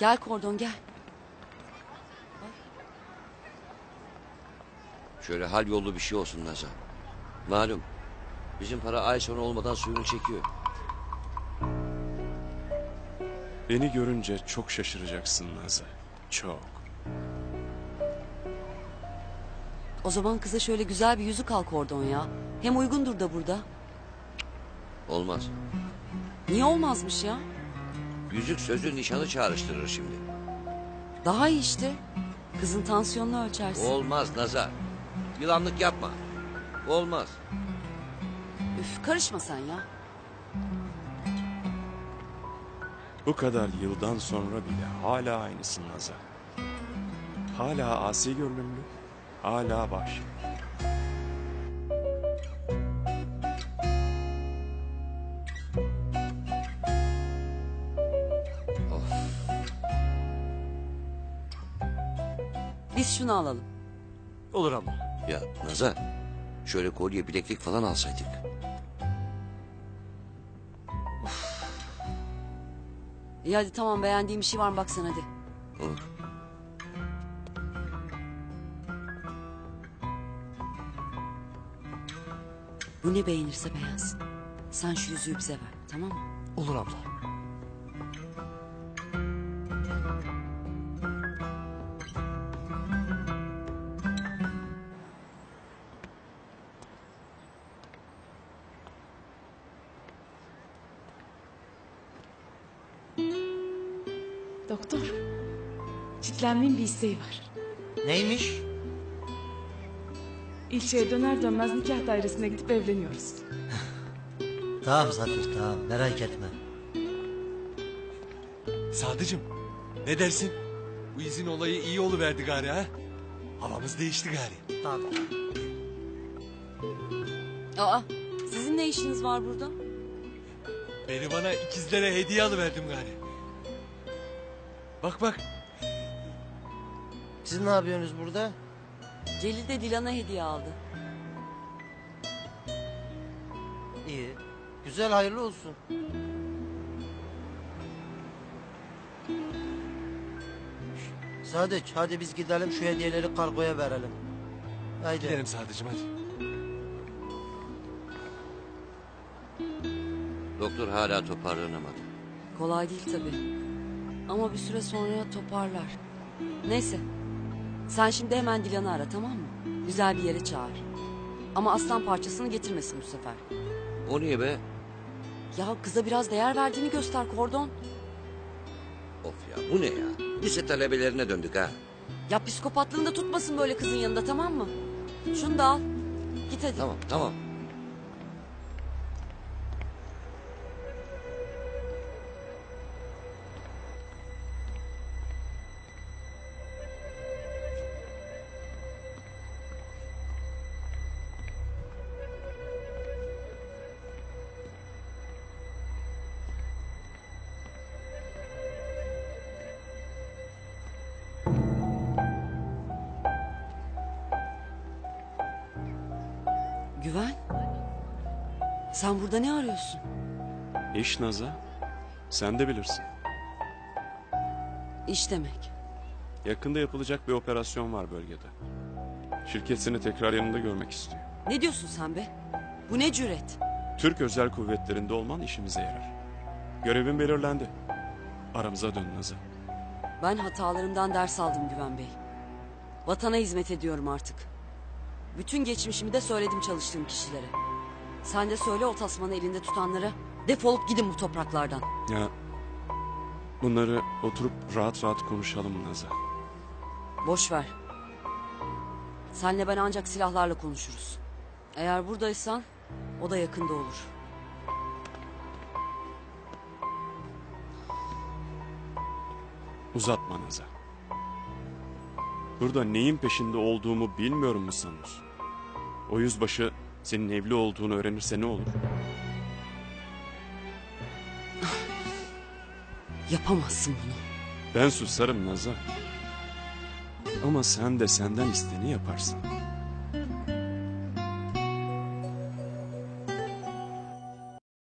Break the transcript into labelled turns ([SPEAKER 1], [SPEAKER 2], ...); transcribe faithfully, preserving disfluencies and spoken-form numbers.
[SPEAKER 1] Gel Kordon gel.
[SPEAKER 2] Şöyle hal yollu bir şey olsun Nazan. Malum bizim para ay sonu olmadan suyunu çekiyor.
[SPEAKER 3] Beni görünce çok şaşıracaksın Nazan. Çok.
[SPEAKER 1] O zaman kıza şöyle güzel bir yüzük al Kordon ya. Hem uygundur da burada.
[SPEAKER 2] Olmaz.
[SPEAKER 1] Niye olmazmış ya?
[SPEAKER 2] Yüzük sözü nişanı çağrıştırır şimdi.
[SPEAKER 1] Daha iyi işte. Kızın tansiyonunu ölçersin.
[SPEAKER 2] Olmaz Nazan. Yılanlık yapma. Olmaz.
[SPEAKER 1] Üf karışma sen ya.
[SPEAKER 3] Bu kadar yıldan sonra bile hala aynısın Nazan. Hala asi görünümlü, hala vahşi.
[SPEAKER 2] Of.
[SPEAKER 1] Biz şunu alalım.
[SPEAKER 4] Olur abla.
[SPEAKER 2] Ya Nazan, şöyle kolye bileklik falan alsaydık.
[SPEAKER 1] İyi hadi tamam, beğendiğin bir şey var mı baksana hadi.
[SPEAKER 2] Olur.
[SPEAKER 1] Bu ne beğenirse beğensin. Sen şu yüzüğü bize ver, tamam mı?
[SPEAKER 4] Olur abla.
[SPEAKER 5] Doktor, çitlenmenin bir isteği var.
[SPEAKER 6] Neymiş?
[SPEAKER 5] İlçeye döner dönmez nikah dairesine gidip evleniyoruz.
[SPEAKER 6] Tamam Zafer tamam merak etme.
[SPEAKER 4] Sadıcığım ne dersin? Bu izin olayı iyi oluverdi gari ha? Havamız değişti gari.
[SPEAKER 6] Tamam.
[SPEAKER 1] Aa, sizin ne işiniz var burada?
[SPEAKER 4] Beni bana ikizlere hediye alıverdim gari. Bak bak.
[SPEAKER 6] Siz ne yapıyorsunuz burada?
[SPEAKER 1] Celil de Dilan'a hediye aldı.
[SPEAKER 6] İyi. Güzel hayırlı olsun. Sadıç hadi biz gidelim şu hediyeleri kargoya verelim. Haydi.
[SPEAKER 4] Gidelim Sadıcığım hadi.
[SPEAKER 2] Doktor hala toparlanamadı.
[SPEAKER 1] Kolay değil tabii. Ama bir süre sonra toparlar. Neyse. Sen şimdi hemen Dilan'ı ara, tamam mı? Güzel bir yere çağır. Ama aslan parçasını getirmesin bu sefer.
[SPEAKER 2] O niye be?
[SPEAKER 1] Ya kıza biraz değer verdiğini göster Kordon.
[SPEAKER 2] Of ya bu ne ya? Lise talebelerine döndük ha.
[SPEAKER 1] Ya psikopatlığını da tutmasın böyle kızın yanında, tamam mı? Şunu da al. Git hadi.
[SPEAKER 2] Tamam tamam.
[SPEAKER 1] Güven. Sen burada ne arıyorsun?
[SPEAKER 3] İş Nazan, sen de bilirsin.
[SPEAKER 1] İş demek.
[SPEAKER 3] Yakında yapılacak bir operasyon var bölgede. Şirket seni tekrar yanında görmek istiyor.
[SPEAKER 1] Ne diyorsun sen be? Bu ne cüret?
[SPEAKER 3] Türk Özel Kuvvetleri'nde olman işimize yarar. Görevin belirlendi. Aramıza dön Nazan.
[SPEAKER 1] Ben hatalarımdan ders aldım Güven Bey. Vatana hizmet ediyorum artık. Bütün geçmişimi de söyledim çalıştığım kişilere. Sen de söyle o tasmanı elinde tutanlara, defolup gidin bu topraklardan.
[SPEAKER 3] Ya bunları oturup rahat rahat konuşalım Nazan.
[SPEAKER 1] Boş ver. Senle ben ancak silahlarla konuşuruz. Eğer buradaysan o da yakında olur.
[SPEAKER 3] Uzatma Nazan. Burada neyin peşinde olduğumu bilmiyorum mu sanıyorsun? O yüzbaşı senin evli olduğunu öğrenirse ne olur?
[SPEAKER 1] Yapamazsın bunu.
[SPEAKER 3] Ben susarım Nazan. Ama sen de senden isteni yaparsın.